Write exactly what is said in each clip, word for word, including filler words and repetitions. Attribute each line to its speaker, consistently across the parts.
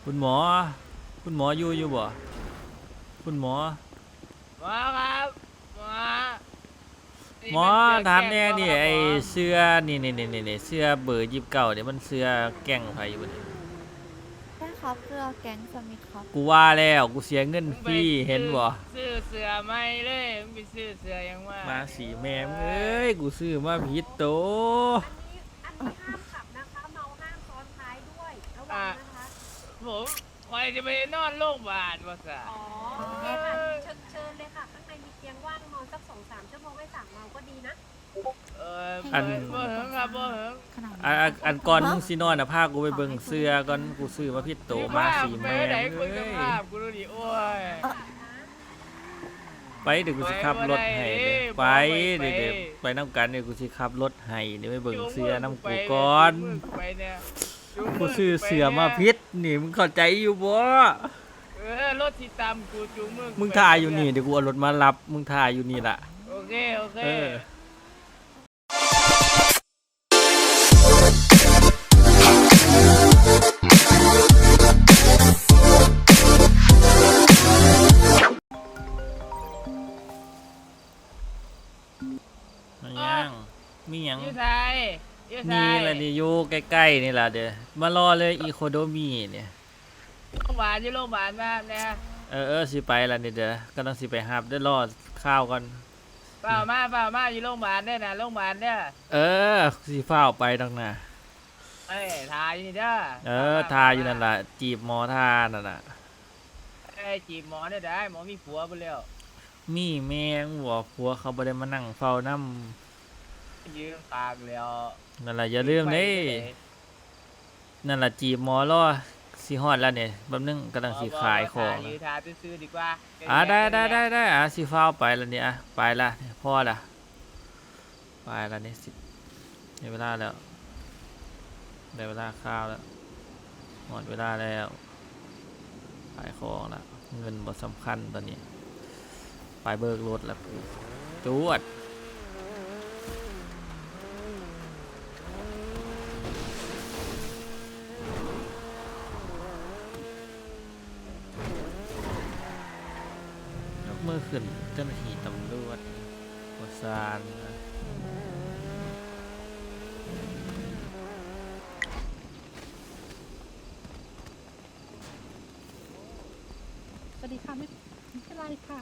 Speaker 1: คุณหมอคุณหมออยู่อยู่บ่คุณหมอ
Speaker 2: หมอครับหมอ
Speaker 1: หมอถามแน่นี่ไอเสื้อนี่นี่นี่นี่เสื้อเบอร์ยี่สิบเก้าเนี่ยมันเสื้อแก๊งไผอยู่บ่นี่
Speaker 3: ใช่ครับเรือแก๊งสมิธครับ
Speaker 1: กูว่าแล้วกูเสียเงินฟรีเห็นบ่
Speaker 2: ซื้อเสื้อไม่เลยมึงไปซื้อเสื้อยังว่า
Speaker 1: มาสีแม่เอ้ยกูซื้อมาผิดโต
Speaker 4: อันนี้ห้ามขับนะคะเมาห้ามซ้อนท้ายด้วยระวังนะคะ
Speaker 2: ผมคอยจะไปนอนโรงพยาบาลวะสะ
Speaker 4: อ๋อโอเคค่ะเชิญเชิญเลยค่ะข้างในมีเตียงว่างนอนสักสองสามชั่วโมงให้สั่งเมาก็ดีนะ
Speaker 2: เอออันบ่เหิงครับบ่เหิง
Speaker 1: อันอันก่อนมึงสินอนน่ะพากูไปเบิ่งเสื้อก่อนกูซื้อมาผิดโตมาสีแม่เอ้ย
Speaker 2: กูดูดิโอ้ย
Speaker 1: ไปเดี๋ยวกูสิขับรถให้ไปเดี๋ยวไปน้ำกันเดี๋ยวกูสิขับรถให้เดี๋ยวไปเบิ่งเสื้อน้ำกูก่อนกูซื้อเสื้อมาพิษนี่มึงเข้าใจอยู่บ่
Speaker 2: เออรถที่ตามกูจูงมึง
Speaker 1: มึงถ่ายอยู่นี่เดี๋ยวกูเอารถมารับมึงถ่ายอยู่นี่ล่ะ
Speaker 2: โอเคโอเค
Speaker 1: ยังมีหยัง
Speaker 2: ยี่ไทย
Speaker 1: นี่แหละนี่อยู่ใกล้ๆนี่แหละเดี๋ยวมารอเลยอีโคโดมีเนี่ย
Speaker 2: โรงพยาบาลอยู่โรงพยาบาลมาเนี่ย
Speaker 1: เออเออสิไปละนี่เดี๋ยวก็ต้องสิไปหับได้รอข้าวก่อน
Speaker 2: เปล่ามาเปล่ามาอยู่โรงพยาบาลเนี่ยนะโรงพยาบาลเนี่ย
Speaker 1: เออสิเฝ้าไปดังน่ะ
Speaker 2: เอ้ยทาอยู่นี่เด้อ
Speaker 1: เออทาอยู่นั่นแหละจีบหมอทานั่นน่ะ
Speaker 2: เอ้ยจีบหมอเนี่ยได้หมอมีผัวไปแล้ว
Speaker 1: มีแม่งหัวผัวเขาบ่ได้มานั่งเฝ้าน้
Speaker 2: ำยืมปากแล้ว
Speaker 1: นั่นแหละอย่าลืมนี่นั่นแหละจีบหมอรอสิฮอดแล้วเนี่ยแป๊บนึงกำลังสิขายของ
Speaker 2: ยืมทาซื้อดีกว่า
Speaker 1: อ่ะได้ได้ได้ได้อ่ะสิเฝ้าไปแล้วเนี่ยอ่ะไปละพ่อละไปละเนี่ยสิได้เวลาแล้วได้เวลาข้าวแล้วหมดเวลาแล้วขายของแล้วเงินบ่สำคัญตอนนี้ไปเบิกรถแล้วจวดยกมือขึ้นเจ้าหน้าที่ตำรวจกดซาน
Speaker 4: สวัสดีค่ะไม่ไม่เป็นไรค่ะ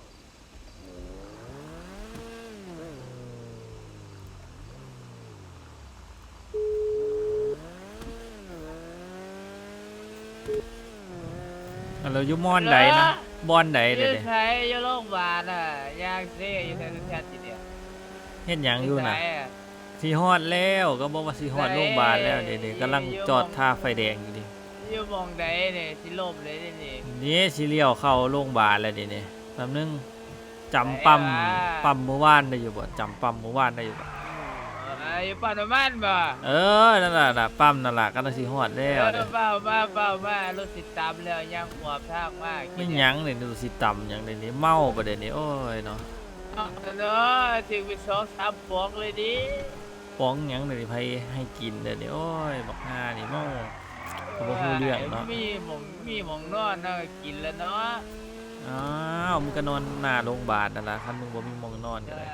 Speaker 1: เราอยู่มอนไหนนะบอนไหนเดี๋ยว
Speaker 2: ใช้อยู่โรงพยาบาลอ่ะยางเซ่อยู่แถวแถวจีเดียว
Speaker 1: เห็นอย่างอยู่น่ะสีฮอดแล้วก็บอกว่าสีฮอดโรงพยาบาลแล้วเดี๋ยวกำลังจอดท่าไฟแดงอยู่ดิ
Speaker 2: อยู่มองไหนเนี่ยสิลมเลยนี่
Speaker 1: นี่สีเลี้ยวเข้าโรงพยาบาลแล้วเดี๋ยวนี้แป๊บนึงจำปั๊มปั๊มเมื่อวานได้อยู่บ่จำปั๊มเมื่อวานได้อยู่บ่
Speaker 2: อยู่ปั๊มน้ำมันบ่
Speaker 1: เออนั่นแหละปั๊มนั่นแหละก็ต้องสีฮอดแล้ว
Speaker 2: เปล่าเปล่าเปล่ามารถติดตามแล้วยังหัวทางมาก
Speaker 1: ไม่ยั้งเลยดูสิต่ำอย่างเดี๋ยวนี้เมาประเดี๋ยวนี้โอ้ยเนาะ
Speaker 2: เนาะถึงไปสองสามปองเลยดิ
Speaker 1: ป้องยังเดี๋ยวนี้ให้ให้กินเดี๋ยวนี้โอ้ยบอกหน้านี่เมาเขาบอกพูดเรื่องเนาะ
Speaker 2: มีหมองมีหมองนอนน่ากินแล้วเนาะ
Speaker 1: อ้าวมึงก็นอนหน้าโรงพยาบาลนั่นแหละคันมึงบ่มีหมองนอนกันเลย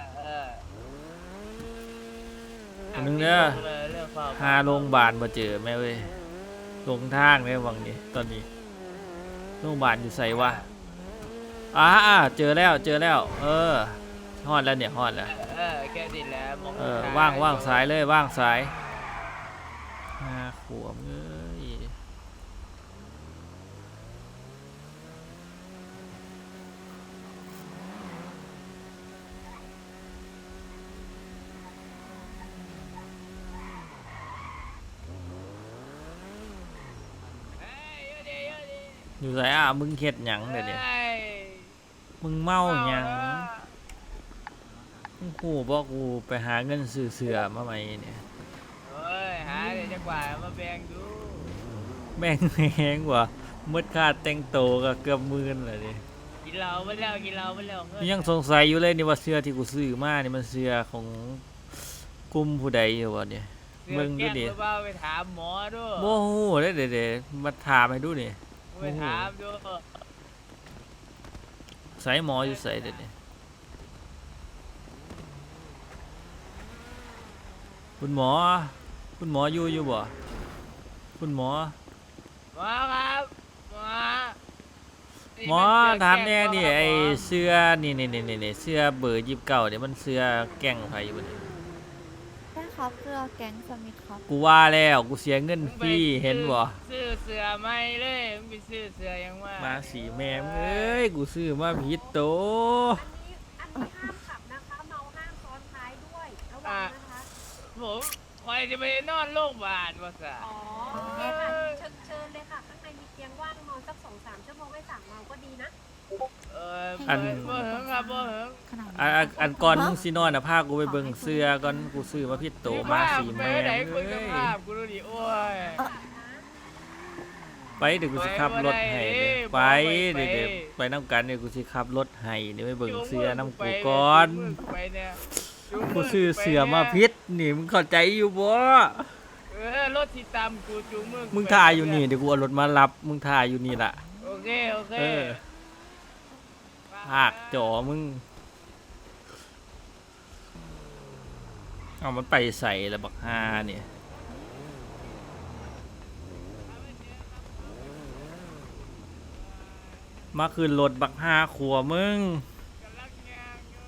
Speaker 1: อันนึงเด้อหาโรงพยาบาลมาเจอแม่เว้ยลงทางเนี่ยวังนี้ตอนนี้โรงพยาบาลอยู่ใส่วะอ่าเจอแล้วเจอแล้วเออฮอดแล้วเนี่ยฮอดแล้ว
Speaker 2: เออแค่นี้แหละ
Speaker 1: เออว่างว่างสายเลยว่างสายห้าขวบเอ้ยอยู่ไหนอ่ะมึงเฮ็ดหยังเดี๋ยวนี้มึงเมาหยังมึงกูบอกกูไปหาเงินซื้อเสื้อมาใหม่เนี่ย
Speaker 2: เฮ้ยหาเดี๋ยวจะกว่ามาแบ่งดู
Speaker 1: แบ่งแหงว่ะมืดค่าแต่งโตก็เกือบหมื่นเลยดิ
Speaker 2: กินเหล้าไปแล้วกินเหล้าไปแล้ว
Speaker 1: ยังสงสัยอยู่เลยนี่ว่าเสื้อที่กูซื้อมานี่มันเสื้อของกลุ่มผู้ใดอยู่วะเนี่ยเบิ่งดูดิ
Speaker 2: หรือเปล่าไปถามหมอดู
Speaker 1: โมโหเด้เด้ๆมาถามให้ดูนี่
Speaker 2: ไปถามดู
Speaker 1: ใส่หมออยู่ใส่เด้นี่คุณหมอ คุณหมออยู่อยู่บ่คุณหมอ
Speaker 2: หมอครับหมอ
Speaker 1: หมอถามแน่นี่ไอ้เสื้อนี่นี่นี่นี่เสื้อเบอร์ยี่สิบเก้าเนี่ยมันเสื้อแก๊งไผอยู่บ่นี่
Speaker 3: ใช่ครับเสื้อแก๊งสมิธครับ
Speaker 1: กูว่าแล้วกูเสียเงินฟรีเห็นบ่
Speaker 2: ซื้อเสือไม่เลยมึงไปซื้อเสือยังว่า
Speaker 1: มาสีแม่มเอ้ยกูซื้อมาผิดโต
Speaker 4: อันนี้อันนี้ห้ามขับนะคะเมาห้ามซ้อนท้ายด้วยระวังนะคะ
Speaker 2: ผมคอยจะไปนอนโรงพยาบาลวะสะ
Speaker 4: อ๋อโอเคค่ะเชิญเชิญเลยค่ะข้างในมีเตียงว่างนอนสักสองสามชั่วโมงไม่สั่งเมาก็ดีนะ
Speaker 2: เออบ่บ่เหิงครับบ่เหิง
Speaker 3: ขนาด
Speaker 1: อันอันอันก่อนมึงสินอนน่ะพากูไปเบิ่งเสื้อก่อนกูซื้อมาผิดโตมาสี
Speaker 2: ไป
Speaker 1: แม่
Speaker 2: ไหน
Speaker 1: ม
Speaker 2: คุ
Speaker 1: เอ้
Speaker 2: ยกับ
Speaker 1: ย
Speaker 2: ภาพกูดูดิโอ้ย
Speaker 1: ไปเดี๋ยวกูสิขับรถให้เด้อไปเดี๋ยวเดี๋ยวไปนํกันเดี๋ยวกูสิขับรถให้เดี๋ยวไปเบิ่งเสื้อนํกูก่อน
Speaker 2: ไปเนี่ย
Speaker 1: กูซื้อเสื้อมาผิดนี่มึงเข้าใจอยู่บ่
Speaker 2: เออรถที่ตามกูจูงมึง
Speaker 1: มึงถ่ายอยู่นี่เดี๋ยวกูเอารถมารับมึงถ่ายอยู่นี่ล่ะ
Speaker 2: โอเคโอเค
Speaker 1: เออ ภาคจอมึงเอามันไปใส่ละบักฮาเนี่ยมาคืนรถบักฮาขัวมึง
Speaker 2: กำลังย่างอยู่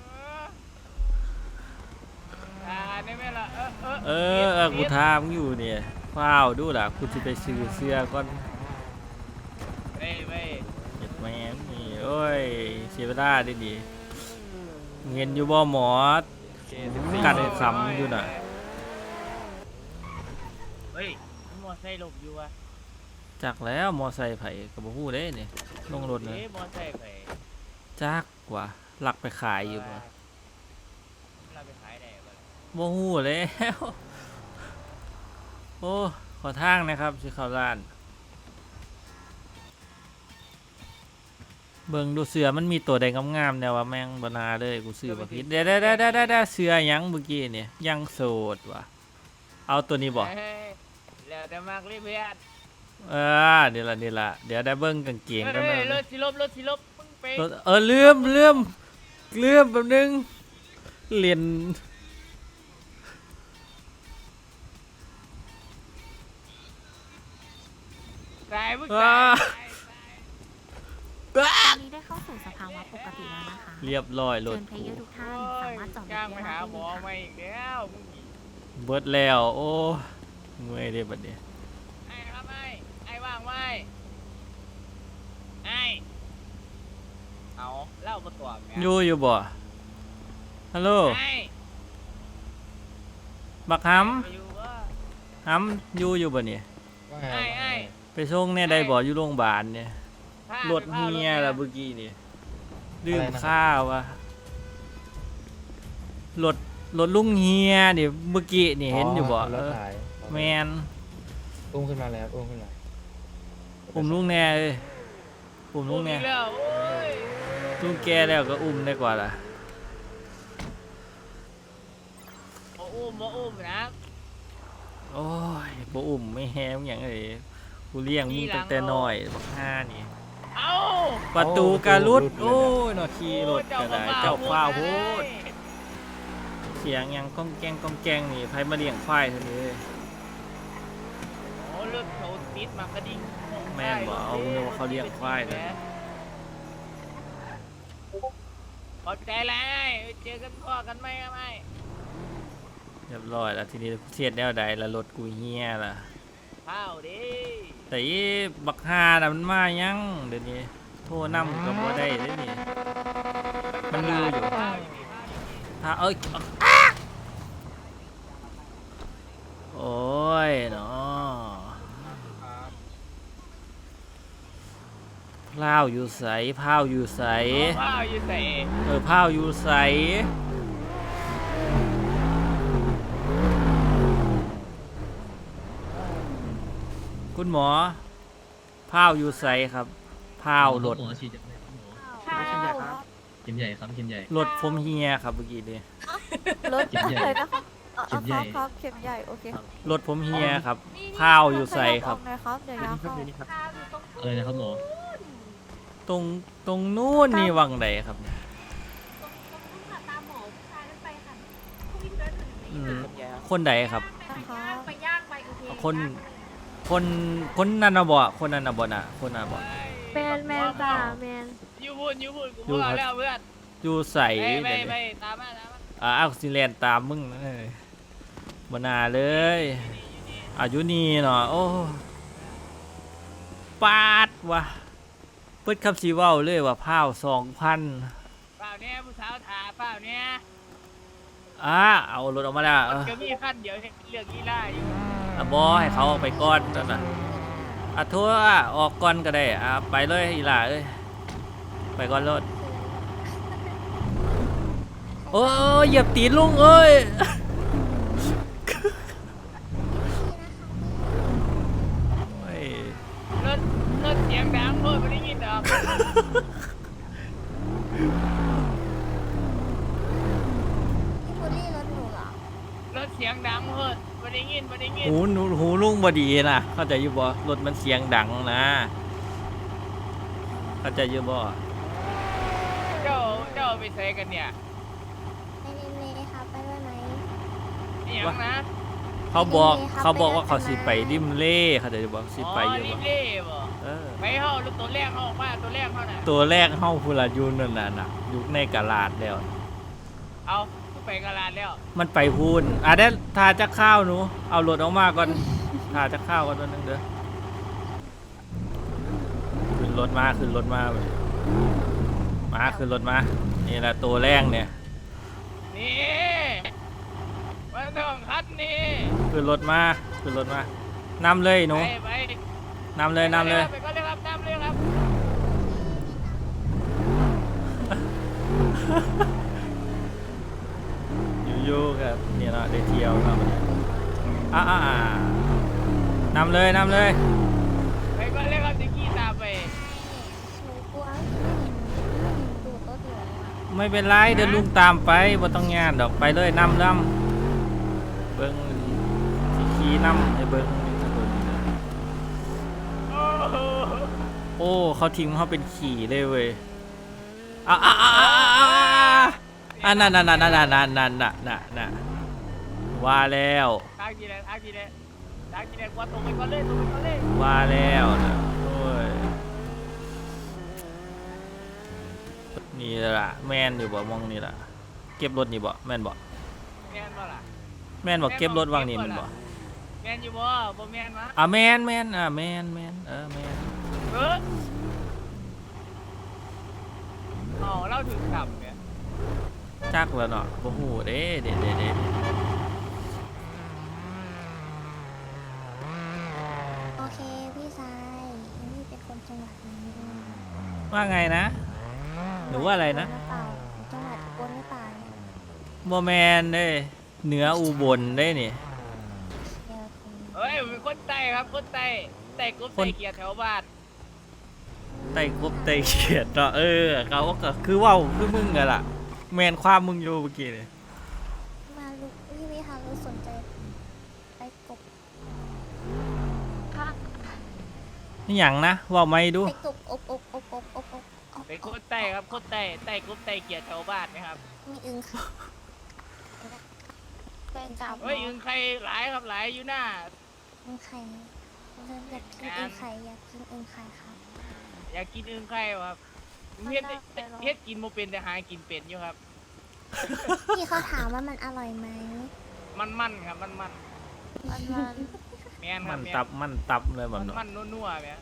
Speaker 2: อ่าได้ไหมล่ะเออเออ
Speaker 1: เออเออกูทามงอยู่เนี่ยฟ้าวดูล่ะกูจะไปซื้อเสื้อก่อน
Speaker 2: เว้ยเว้ย
Speaker 1: เจ็ดแม่งนี่โอ้ยเสียเวลาดิดิเห็นอยู่บ่หมอ กัดไอ้คำอยู่น่ะ
Speaker 2: เฮ้ยมอไซค์หลบอยู่อะ
Speaker 1: จักแล้วมอไซค์ไผกับบ่ฮู้เด้เนี่ยลงรถเลย
Speaker 2: เอ๊ะมอไซค์ไป
Speaker 1: จักว่าหลักไปขายอยู่บ่
Speaker 2: เราไปขายได้บ่
Speaker 1: บ่ฮู้แล้ว โอ้ขอทางนะครับสิเข้าร้าน เบิ่งดูเสือมันมีตัวใดงามๆแนวว่าแม่งบ่นาเลยกูซื้อมาผิดเด้ๆๆๆๆเสือหยังเมื่อกี้เนี่ยยังโสดว่ะเอาตัวนี้บ่
Speaker 2: เฮ้ยแล้วแต่มากเลยเพื่อน
Speaker 1: เออเดี๋ยวละเดี๋ยวละเดี๋ยวได้เบิ่งกางเกงกัน
Speaker 2: เฮ้
Speaker 1: หน่อย
Speaker 2: ยรถสิลบรถสิลบมึงไป
Speaker 1: รถเออลืมลืมลืมแป๊บนึงเรียน
Speaker 2: สายมึง
Speaker 1: อ่า
Speaker 2: สาย
Speaker 5: ตอนนี้ได้เข้าสู่สภาวะปกติแล้วนะคะ
Speaker 1: เรียบร้อยร
Speaker 5: เชิ
Speaker 1: ถ
Speaker 5: ญเพล
Speaker 1: กู
Speaker 5: เยอร์ทุกท่าน
Speaker 2: โอ้
Speaker 5: สาย มารถจอดรถ
Speaker 2: จ้างไป
Speaker 5: ได้
Speaker 2: หา
Speaker 5: เล
Speaker 2: หมอย มา
Speaker 5: ค่ะ
Speaker 2: อีกแล้วมึง
Speaker 1: เบิดแล้วโอ้เมื่อยเด้บัดนี้
Speaker 2: ไอ้ครับไอ้ไอ้ว่างไว้ไอ้เอาเล่ามาตัวแม่
Speaker 1: อยู่อยู่บ่ฮัลโหล
Speaker 2: ไอ้
Speaker 1: บักห
Speaker 2: ไปอยู่วะ
Speaker 1: ำหำอยู่อยู่บ่เนี่ย
Speaker 2: ไอ้ไอ้
Speaker 1: ไปส่งแน่ได้บ่อยู่โรงพยาบาลเนี่ย
Speaker 2: พาร
Speaker 1: ถ
Speaker 2: ไป
Speaker 1: เฮีย
Speaker 2: พา
Speaker 1: ละ
Speaker 2: รถ
Speaker 1: เมื่อกี้นี่ลืมข้าววะรถรถลุงเฮียนี่เมื่อกี้นี่เห็นอยู่บ่
Speaker 6: ร
Speaker 1: เอ
Speaker 6: ถ
Speaker 1: อ
Speaker 6: ถ่าย
Speaker 1: แมน
Speaker 6: อุ้มขึ้นมาแล้วอุ้มขึ้นมา
Speaker 1: อุ้มลุงแน่เลยอุ้มลุงแน่
Speaker 2: อีกแล้วโอ้ย
Speaker 1: ลุงแกแล้วก็อุ้มได้กว่าล่ะ
Speaker 2: บ่อุ้มบ่อุ้มนะ
Speaker 1: โอ้ยบ่อุ้มไม่แฮมอย่างไรกูเลี้ยงมึงตั้งแต่น้อยบักห้านี่
Speaker 2: เอ้า
Speaker 1: ประตูการุดโอ้ยนอขี่รถก็ได้เจ้าฟ้าวโพดเสียงหยังก้องแกงก้องแกงนี่ไผมาเลี้ยงควายเท่านี้
Speaker 2: โอ้รถเขาติดมากระดิ่ง
Speaker 1: แม่นบ่เอาเงินว่าเขาเลี้ยงควายเลย
Speaker 2: ขอบใจแล้วเจอกันพ่อกันไหมครับไอ้
Speaker 1: เรียบร้อยแล้วทีนี้กูเทียดแนวใดแล้วรถกูเฮียล่ะ
Speaker 2: ข้าวดิ
Speaker 1: แต่อีบักฮาน่ะมันมายังเดี๋ยวนี้โทรนำก็บ่ได้เด้นี่มันลืออยู่
Speaker 2: ข้าวดิข้าวดิ
Speaker 1: ถ้าเอ้ยอ๊ะโอ้ยเนาะพร้าวอยู่ใสพร้าวอยู่ใส
Speaker 2: ข้าวอยู่ใส่
Speaker 1: เออพร้าวอยู่ใสคุณหมอพร้าวอยู่ใสครับพร้าวรถ
Speaker 7: หมอฉีดจากไหนครับหมอ
Speaker 3: ข้าว
Speaker 7: เข็มใหญ่ครับเข็มใหญ่
Speaker 1: รถผมเฮียครับเมื่อกี้นี้
Speaker 3: รถ
Speaker 7: เข็มใหญ่
Speaker 3: อะไรนะคะเออเออครับครับเข็มใหญ่โอเค
Speaker 1: รถผมเฮียครับข้าวอยู่ใส่ครับ
Speaker 3: ขยัออกหน่อยครับเดี๋ยวยาเข้า
Speaker 4: ข้าวอยู่ตรง
Speaker 7: อะไรนะครับหมอ
Speaker 1: ตรงตรงนู้นนี่วังใดครับเนี่ย
Speaker 4: ตรงตรงนู้นค่ะตามหมอผู้ชายนั่นไปค่ะผู้วิ่งเดินถึง
Speaker 1: อื
Speaker 4: นี้
Speaker 1: ม
Speaker 4: ค่ะ
Speaker 1: คนใดครับ
Speaker 4: ไปย่างไปย่างไปโอเค
Speaker 1: คน คนคนนั้นนะบ่คนนั้นนะบ่น่ะคนนั้นบ่
Speaker 2: แมนแมนจ้าแมน
Speaker 8: ยูพูดยูพูดกู
Speaker 1: อยู่
Speaker 8: พูด
Speaker 1: ครับ
Speaker 8: แล้วเพื่อน
Speaker 1: อยู่ใส่
Speaker 8: ไปไป
Speaker 1: เดี๋ยว
Speaker 8: ไป
Speaker 1: นี้
Speaker 8: ตามมาตามมา
Speaker 1: อ่าอักซิเลนตามมึงนะเอ้ยบ่น่าเลยอายุนี่เนาะโอ้ปาดว่ะเปิดคำสีเว้าเลยว่าพาวสองพัน
Speaker 8: เปล่าเนี่ยผู้สาวถาเปล่าเนี่ย
Speaker 1: อ่าเอารถออกมาแล้ว
Speaker 8: ร
Speaker 1: เอ
Speaker 8: ถ
Speaker 1: อ
Speaker 8: ก็มีขั้นเดียวให้เลือกกีฬาอยู่
Speaker 1: อ่ะบอให้เขาเอาไปก่อนนั่นน่ะอ่ะโทั่วออกก่อนก็ได้อ่ะไปเลยอีหล่าเอ้ยไปก่อนรถโอ้ยเหยียบตีนลุงเอ้ยโอ้ย
Speaker 8: รถรถเสียงดังเพื่อนไม่ได้ยินดอก
Speaker 3: พี่บุรี่รถหนูเหรอ
Speaker 8: รถเสียงดังเพื่อนไม่ได้ยินไม่ได้ยิน
Speaker 1: หูหนูหูลุงบดีนะเข้าใจอยู่บ่รถมันเสียงดังนะเข้าใจอยู่บ่
Speaker 8: เจ้าเจ้าไปใส่กันเนี่ย
Speaker 3: ไปเล่นเลยครับไปด้วยไหม
Speaker 8: เสียงนะ
Speaker 1: เขาบอก
Speaker 3: ไปเลยครับ
Speaker 1: เขาบอกว่า
Speaker 3: ไปเลย
Speaker 1: เขาสิไปริมเล่เข้าใจอยู่บ่สิ
Speaker 8: อ๋
Speaker 1: ไป
Speaker 8: อ
Speaker 1: อยู่
Speaker 8: รี
Speaker 1: บ่
Speaker 8: บเล่บ่
Speaker 1: เออ
Speaker 8: ไปเข้ารถตัวแรกเข้าออกมาตัวแรกเข้าน่ะ
Speaker 1: ตัวแรกเฮาพูละอยู่นั่นน่ะน่ะอยู่ในกะลาดแล้ว
Speaker 8: เอาไปกระลาดแล้ว
Speaker 1: มันไปพูนอ่ะได้ทาจะข้าวหนู เอารถออกมาก่อนทาจะข้าวก่อนตัวหนึงเด้อขึ้นรถมาขึ้นรถมามาขึ้นรถมา นี่แหละตัวแรกเนี่ย
Speaker 8: นี่มาต้องคัดนี่
Speaker 1: ขึ้นรถมาขึ้นรถมานำเลยหนู
Speaker 8: ไปไป
Speaker 1: นำเลยนำเลย
Speaker 8: ไปก็เลยครับนำเลยครับ
Speaker 1: อยู่ๆกับเนี่ยเนาะได้เที่ยวเนาะมันเนี่ยอ่าอ่านำเลยนำเลย
Speaker 8: ไปก็เลยครับจะขี่ตามไป
Speaker 3: หนูกลัวดูดรถหนูอะ
Speaker 1: ไม่เป็นไรเดี๋ยวลุงตามไปบ่ต้องงานดอกไปเลยนำนำเบิ้งสิขี่นำให้เบิ้ง
Speaker 8: โอ้โห
Speaker 1: โอ้เขาทิ้งเขาเป็นขี่เลยเว้ยอ่ะอ่ะอ่ะอ่ะอ่ะอ่ะนั่นนั่นนั่นนั่นนั่นนั่นนั่นนั่นนั่นว่าแล้ว
Speaker 8: ทางจีแดงทางจีแดงทางจีแดงว่าตรงไปก็เลยตรงไปก็เลย
Speaker 1: ว่าแล้วนะโอ้ยนี่ล่ะแม่นอยู่บ่มองนี่ล่ะเก็บรถนี่บ่แม่นบ่
Speaker 8: แม่นบ่ล่ะ
Speaker 1: แม่นบ่เก็บรถวางนี่มันบ่
Speaker 8: แม่นอยู่บ่บ่แม่นมะ
Speaker 1: อ่ะแม่นแม่นอ่ะแม่นแม่นเออแม่น
Speaker 8: เอออ๋อเล่าถึงต่ำเนี่ย
Speaker 1: จักแล้วเนาะบ่ฮู้เด้เด้เด้เด้
Speaker 3: โอเคพี่ชายนี่เป็นคนจังหวัดนี้ด้วย
Speaker 1: ว่าไงนะหนูว่าอะไรนะ
Speaker 3: จังหวัดอุบลหรือเปล่าเนี่ย
Speaker 1: บ่แม่นเด้เหนืออุบลเด้นี่
Speaker 3: เดี๋ยวคุณ
Speaker 8: เฮ้ยผมเป็นคนไต้ครับคนไต้ไต้กบไต้เกียร์แถวบ้าน
Speaker 1: ไต่กบไต่เขียดเนาะเออเขาก็คือเว้าคือมึงกันล่ะแมนความมึงอยู่เมื่อกี้นี่
Speaker 3: มาลุกพี่วิหารุสนใจไปกบ
Speaker 1: นี่หยังนะเว่าไม่ดู
Speaker 3: ไปกบอบอบอบอบอบอบอบ
Speaker 8: เป็นคนไต้ครับคนไต้ไต้กบไต้เกียร์แถวบ้านนะครับ
Speaker 3: มีอึงค่ะเป็นจับ
Speaker 8: เฮ้ยอึงใครหลายครับหลายอยู่หน้า
Speaker 3: อึงไข่เริ่มอยากกินอึงไข่อยากกินอึงไข่ครับ
Speaker 8: อยากกินอึงใครวะครับเฮ็ดเฮ็ดกินโมเป็นแต่หากินเป็นอยู่ครับ
Speaker 3: พี่เขาถามว่ามันอร่อยไหม
Speaker 8: มันมันๆครับมันมัน
Speaker 3: มันมัน
Speaker 8: ๆแมนค
Speaker 1: มั
Speaker 8: รับ
Speaker 1: น
Speaker 8: แม
Speaker 1: ตั
Speaker 8: น
Speaker 1: บมันตับเลยแบบ
Speaker 8: มัน
Speaker 1: เนาะ
Speaker 8: มันนัวๆเนี่ย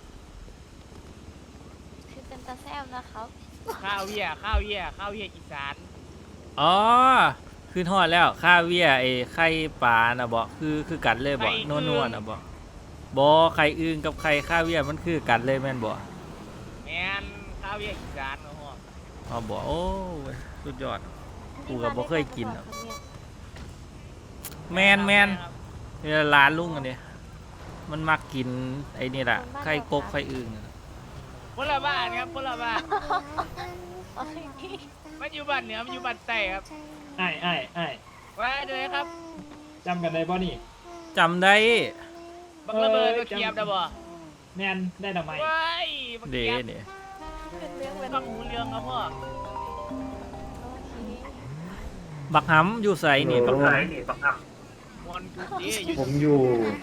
Speaker 3: คือเป็นตาแซ่บนะครับ
Speaker 8: ข้าวเวียข้าวเวียข้าวเวียอีสาน
Speaker 1: อ๋อขึ้นฮอดแล้วข้าวเวียไอ้ไข่ปลาน่ะบ่คือคือกันเลยบ่นัวๆน่ะบ่บ่ไข่อึ่งกับไข่ข้าวเวียมันคือกันเลยแม่นบ่
Speaker 8: แมนข้าวเวียอีสานโอ้โห
Speaker 1: อ๋อบ่โอ้ยสุดยอด กูก็บ่เคยกินหรอก แมนแมนนี่ร้านลุงอันนี้มันมักกินไอ้นี่แหละไข่กบไข่อึ่งอะ
Speaker 8: คนละบ้านครับคนละบ้านมันอยู่บ้านเหนือมันอยู่บ้านใต้ครับ
Speaker 7: ไอ้ไอ้ไอ้
Speaker 8: ว้าด้วยครับ
Speaker 6: จำกันได้ป่ะนี่
Speaker 1: จำได้
Speaker 8: บักระเบิดบักเขียบนะบ่
Speaker 6: แมนได้ทำไม
Speaker 8: ว้ายบัก
Speaker 1: เด
Speaker 8: เขียบ
Speaker 1: เนี่ย
Speaker 4: เป็นเรื่องเป็น
Speaker 8: ฟังหูเรื่องครับพ่อ
Speaker 1: บักหำอยู่ใส่นี่บักห
Speaker 8: วันกูดีอยู่
Speaker 6: ผมอยู่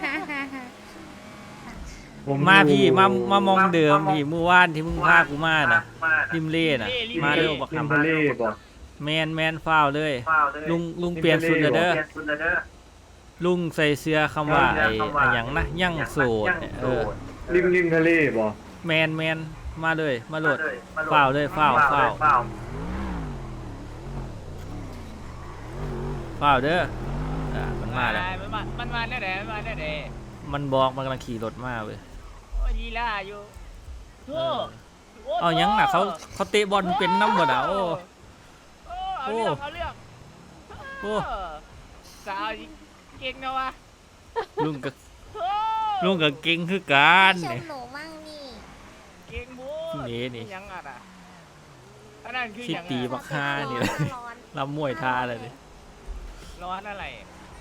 Speaker 6: ผม
Speaker 1: ำมาพี่มามามองเดิมพี่เมื่อวานที่มึงพากูมาน่ะริมเล่น่ะมาเร็วบัก
Speaker 6: ริม
Speaker 1: หำ
Speaker 6: ทะเลบ่
Speaker 1: แมนแมนฟ้าวเลย ลุงลุงเปลี่ยนสุดแล้วเด้อลุงใส่เสื้อคำว่าไอ้อะหยังนะยั่งโสดเนี่ยเออ
Speaker 6: ริมริมทะเลบ่
Speaker 1: แมนแมนมาเลยมาโหลดฟ้าวเลยฟ้าวฟ้าวฟ้าวเด้ออ่ามันมาแล้ว
Speaker 8: มันมามันมาแน่แน่มันมาแน่แน่
Speaker 1: มันบอกมันกำลังขี่รถมาเว้ย
Speaker 8: โอ้ยดีล่ะอยู่โธ่โ
Speaker 1: เอาหยังน่ะเขาเขาเตะบอลเป็นน้ำบ่น่ะโอ้
Speaker 8: โอ้เอาเรื่องเอาเรื่อง
Speaker 1: โอ้
Speaker 8: สาวเก่งนะวะ
Speaker 1: ลุงก็
Speaker 8: โอ้
Speaker 1: ลุงก็เก่งคือกัน
Speaker 3: ชม
Speaker 1: นี่
Speaker 3: หนูมั่งนี่
Speaker 8: เก่งบู
Speaker 1: นี่นี่
Speaker 8: ยังอ่ะนะอันนั้นคือ
Speaker 1: ที่
Speaker 8: ยัง
Speaker 1: ตี
Speaker 8: อ่ะ
Speaker 1: บักฮานี่แหละ
Speaker 3: ร้อน
Speaker 1: ลำมวยท่าเลยดิ
Speaker 8: ร้อนอะไร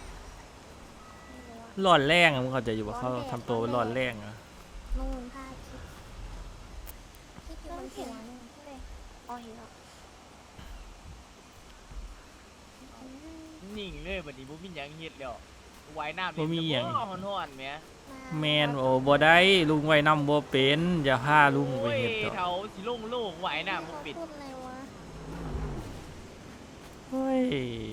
Speaker 1: ร้อนแรงอะมึงเข้าใจอยู่ว่าเขาทำตัวเป็นร้อนแรงอะ
Speaker 3: นู่นผ้าคิดคิดอยู่บนหัวนู่นเลยอ๋อเห็นแล้ว
Speaker 8: นิ่งเลยบัดนี้บ่มีหยังเฮ็ดแล้วว่ายน้ำฮ้อนๆแหม
Speaker 1: แมนโอ้บ่ได้ลุงไว้นำบ่เป็นอย่าพาลุงไป
Speaker 8: โอ้ย
Speaker 1: เฮ็ดดอก
Speaker 8: เฒ่าสิลงโลกว่ายน้ำบ่ปิด
Speaker 3: พูดอะไรวะ
Speaker 1: เฮ้ย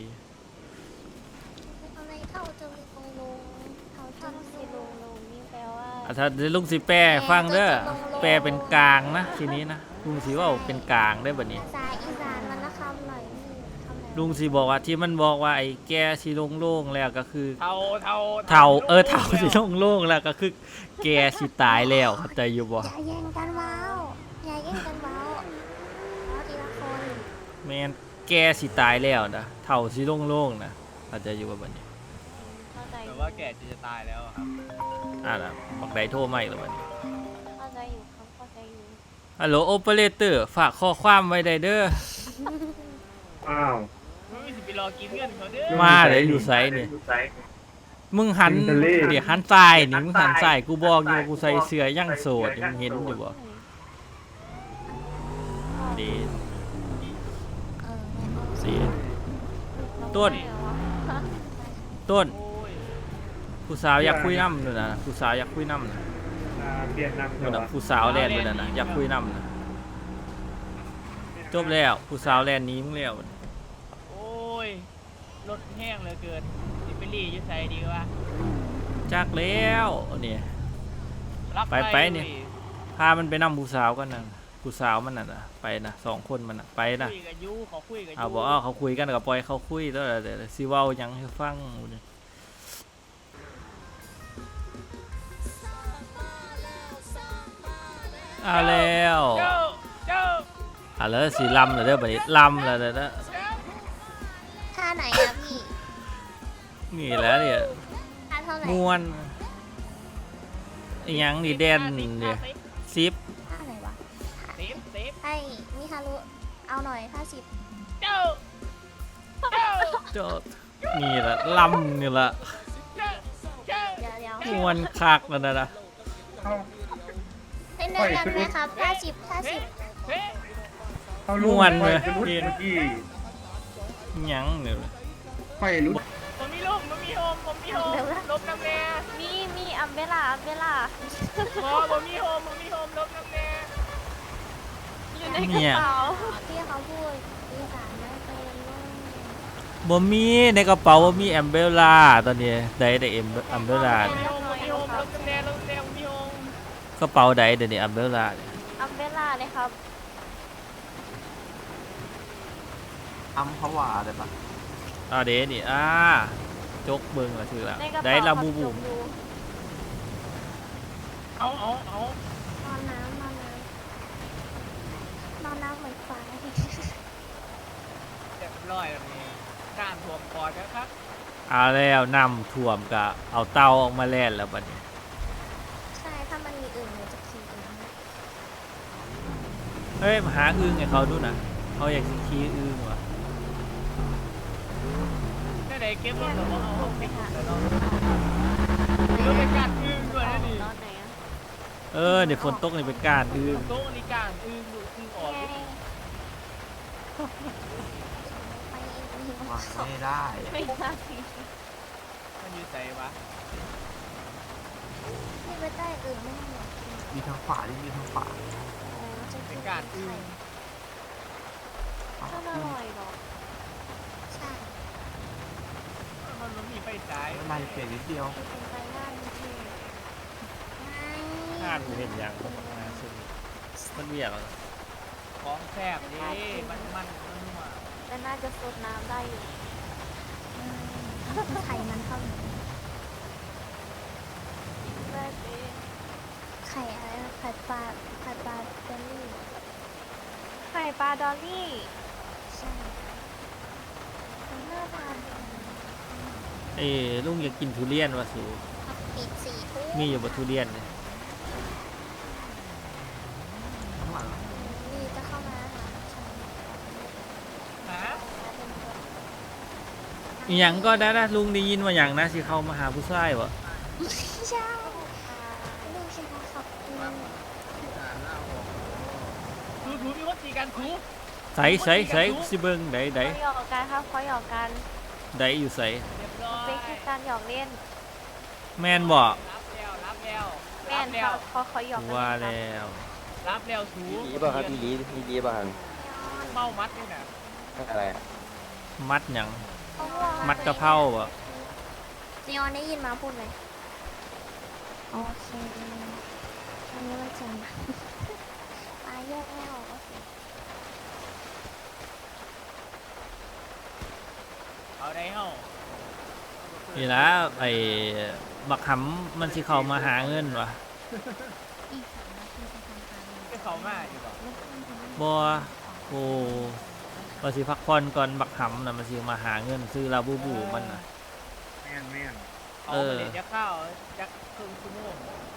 Speaker 3: อะไรเท่าจะมีตรงลงเท่าจะมีลงลงนี่แปลว่า
Speaker 1: อ่ะถ้าเดี๋ยวลุงสิแปลให้ฟังเด้อแปลเป็นกลางนะทีนี้นะลุงสิเว่าเป็นกลางได้บัดนี้
Speaker 3: ภาษาอีสานมันละคำหน่อยนี่คำไหน
Speaker 1: ลุงสิบอกว่าที่มันบอกว่าไอ้แกสิโล่งๆแล้วก็คือ
Speaker 8: เฒ่าเฒ่า
Speaker 1: เฒ่าเออเฒ่าสิโล่งๆแล้วก็คือแกสิตายแล้วเข้าใจอยู่บ่
Speaker 3: อย่าแย่งกันเว้าอย่าแย่งกันเว้าเอาทีละคน
Speaker 1: แม่นแกสิตายแล้วนะเฒ่าสิโล่งๆนะเข้าใจอยู่บ่บัดนี้
Speaker 3: เข้าใจอ
Speaker 8: แต่
Speaker 3: ยู่
Speaker 8: ว่าแกจะตายแล้วอะครับ
Speaker 1: อ่าล่ะบักใดโทรมาอีกแล้วบัดนี้
Speaker 3: เข้าใจอยู่ครับเข้าใจอยู่
Speaker 1: ฮัลโหลโอเปอเรเตอร์ฝากข้อความไว้ได้เด้อ
Speaker 6: อ้าว
Speaker 8: มึงสิไปรอกินเงินเขาเด้อ
Speaker 1: มาเลยอยู่ไสนี่มึงหันเดี๋ยวหันซ้ายนี่มึงหันซ้ายกูบอกอยู่ว่ากูใส่เสื้อยังโสดนี่มึงเห็นอยู่บ่ดี
Speaker 3: เออแม่เอา
Speaker 1: สิ ต้น ต้น
Speaker 8: โอ้ย
Speaker 1: ผู้สาวอยากคุยน้ำนู่นน่ะผู้สาวอยากคุยน้ำน่ะ
Speaker 6: อ่าเปลี่ยนนำ
Speaker 1: นู่น
Speaker 6: เหร
Speaker 1: น่ะ
Speaker 6: อ
Speaker 1: ผู้สาวแลนด์นู่นน่ะนะอยากคุยน้ำน่ะจบแล้วผู้สาวแลนด์หนี้มึงแล้ว
Speaker 8: โอ้ยรถแห้งเหลือเกินสิไปรีอยู่ไสดีวะ
Speaker 1: จักแล้วนี่
Speaker 8: รับ
Speaker 1: ไปไปนี่ พามันไปนํผู้สาวกันน่ะผู้สาวมันน่ะนะไปนะสองคนมันน่ะไปนะ
Speaker 8: คุยกับยูเขาคุยกับยู
Speaker 1: เอาบอกเอาเขาคุยกันกับปล่อยเขาคุยแล้วเดี๋ยวสิเว้าหยังให้ฟังเอาแล้ว
Speaker 8: เจ้าเจ้า
Speaker 1: อ่ะแล้วสิลำแล้วเด้อบัดนี้ลำแล้วเด้อ
Speaker 3: ท่าไหนอะพี่
Speaker 1: นี่แหล้วเนี่ย
Speaker 3: ท่าเท่าไหร่
Speaker 1: มวนอีหยังนี่แดนเนี่ยซิป
Speaker 3: ท่าไหนวะ
Speaker 8: เซฟเซฟ
Speaker 3: ให้มิฮารุเอาหน่อยท่าสิบ
Speaker 8: เจ้าเจ้า
Speaker 1: โจดนี่ละลำนี่ละ
Speaker 8: เจ้าเจ้า
Speaker 3: เดี๋ยวเดี๋ยว
Speaker 1: มวนคักแล้วนะนะ
Speaker 3: เป็นเดินกันไหมครับท่าสิบท่าสิบ
Speaker 8: เฮ้ย
Speaker 6: เอา
Speaker 1: ม
Speaker 6: ลูก
Speaker 1: วนเลย
Speaker 6: ไปรุด
Speaker 1: เห็น
Speaker 6: เมื่อกี้
Speaker 1: อีหยังเนี่ย
Speaker 6: ไปรุด
Speaker 8: ผมมีลูกผมมีโฮมผมมีโฮมลบน้ำแน่
Speaker 5: มีมีอัมเบล่าอัมเบล่า
Speaker 8: พอผมมีโฮมผมมีโฮมลบน้ำแน่
Speaker 5: อยู่ในกระเป๋า
Speaker 3: ที่เขาพูดอีสานไม่เป็นว่า
Speaker 1: บ่มีในกระเป๋าบ่มีแอมเบลล่าตอนนี้ได้แต่เอ็มอัมเบลล่า
Speaker 8: ผมมีโฮมผมมีโฮมลบน้ำแน่ลบน้ำแน่ผมมีโฮม
Speaker 1: กระเป๋าใดเดี๋ยวนี้อัมเบลล่าเนี่ย
Speaker 5: อัมเบล่าเลยครับ
Speaker 7: อัมพวาได้ปะ
Speaker 1: อ่าเดนี่อ่าจกเบิ่งละถือละ
Speaker 5: ในกระ
Speaker 1: ได้
Speaker 5: เป๋า
Speaker 1: ละบูบู
Speaker 5: ครับดู
Speaker 8: เอาเอาเอา
Speaker 3: นอนน้ำนอนน้ำนอนน้ำเหมือนควาย
Speaker 8: เรียบร้อยแบบนี้น้ำท่วมปอดแล้วครับ
Speaker 1: เอาแล้วนำท่วมก็เอาเตาออกมาแล่นแล้วบัดนี้
Speaker 3: ใช่ถ้ามันมีอื่นเดี๋ยวจะขี่อื่น
Speaker 1: เฮ้ยมาหาอึ่งให้เขาดูนะเขาอยากสิขี่อึ่งว่ะ
Speaker 8: นั่นไหนดเก็บรถหรอเอาเอาไป
Speaker 5: ค่ะ
Speaker 8: แล้วเนาะรถเป็นการอึ้งด้วยนะนี่
Speaker 5: ตอนไหนอะ
Speaker 1: เออเดี๋ยวฝนตกนี่เป็นการดื้อ
Speaker 8: โต๊ะนี่กลางอึ้งดูอึ้งออก
Speaker 3: ไงไปเองนี่
Speaker 7: วางไม่ได้
Speaker 5: ไม่ได้
Speaker 8: มันอยู่ใส่วะ
Speaker 3: นี่ไปใต้อื่นไม่ได้หรอก
Speaker 7: มีทางขวาที่มีทางขวา
Speaker 3: จะ
Speaker 8: เป็นการอึ้ง
Speaker 7: ขวา
Speaker 5: ก็อร่อยหรอก
Speaker 3: ใช่
Speaker 8: มันมันมีไฟฉาย
Speaker 7: อะไรเปลี่ยนนิดเดียว
Speaker 5: ที่เป็นไปได้ไม่ใช่
Speaker 3: ไม่
Speaker 1: ห้ากูเห็นอย่างผมมาซึ่งมันเบียกอะ
Speaker 8: ของแซ่บดิมันมันมันนัว
Speaker 5: แต่น่าจะสดน้ำได้อยู่
Speaker 3: ไข่มันเท่าไหร่
Speaker 5: ได้สิ
Speaker 3: ไข่อะไรนะไข่ปลาไข่ปลาเบลลี่
Speaker 5: ไข่ปลาดอลลี่
Speaker 3: ใช่มันน่าทาน
Speaker 1: เอ้ยลุงอยากกินทุเรียนวะสู
Speaker 3: ปิดสี่ทุ่ม
Speaker 1: มีอยู่บนทุเรียนเนี่ย
Speaker 7: ข้างหลัง
Speaker 3: นี่จะเข้ามาหาฉัน
Speaker 8: ฮะ
Speaker 1: อหย่างก็ได้นะลุงได้ยินว่าอย่างนะสิเข้ามาหาผู้ชายวะ
Speaker 3: ไม่ใช่ลูกชายครับอืม
Speaker 8: ถูถูมีคนตีกันถู
Speaker 1: ใส่ใส่ใส่สิเบิงไดได
Speaker 5: เขาหยอกกันครับเขาหยอกกัน
Speaker 1: ไดอยู่ใส่
Speaker 8: เรียบร้อย
Speaker 5: เป็นแค่การหยอกเล่น
Speaker 1: แม่นบ่
Speaker 8: รับแล้วรับแล้ว
Speaker 5: แม่
Speaker 8: รับ
Speaker 5: น
Speaker 8: แล้
Speaker 5: เขา
Speaker 8: ว
Speaker 5: เขาเขาหยอกกัน
Speaker 1: ว่า
Speaker 5: เล่น
Speaker 1: แล้ว
Speaker 8: รับแล้วถู
Speaker 9: ดีป่ะครับอีดีอีดีป่ะครับ
Speaker 8: เมามัดนี่น่ะ
Speaker 9: อะไรอะ
Speaker 1: มัดหยัง
Speaker 5: เขาห่วง
Speaker 1: มัดกะเพราบ่
Speaker 3: จีออนได้ยินมาพูดไหมโอเคอันนี้มันจะมาปลาแยกไม่ออกก็สิ
Speaker 8: เอาได้เฮ้า
Speaker 1: นี่ละไอ้บักหำมันสิเข้ามาหาเงินวะ
Speaker 3: อีกสามนาทีจะทำการ
Speaker 8: ก็เขามาอยู่บ่
Speaker 1: บ่โอ้ว่าสิพักผ่อนก่อนบักหำน่ะมันสิมาหาเงินซื้อลาบูบูมันน่ะ
Speaker 6: แม่นแม่น
Speaker 8: เอาไปเลยจะเข้าจะครึ่งชั่วโมง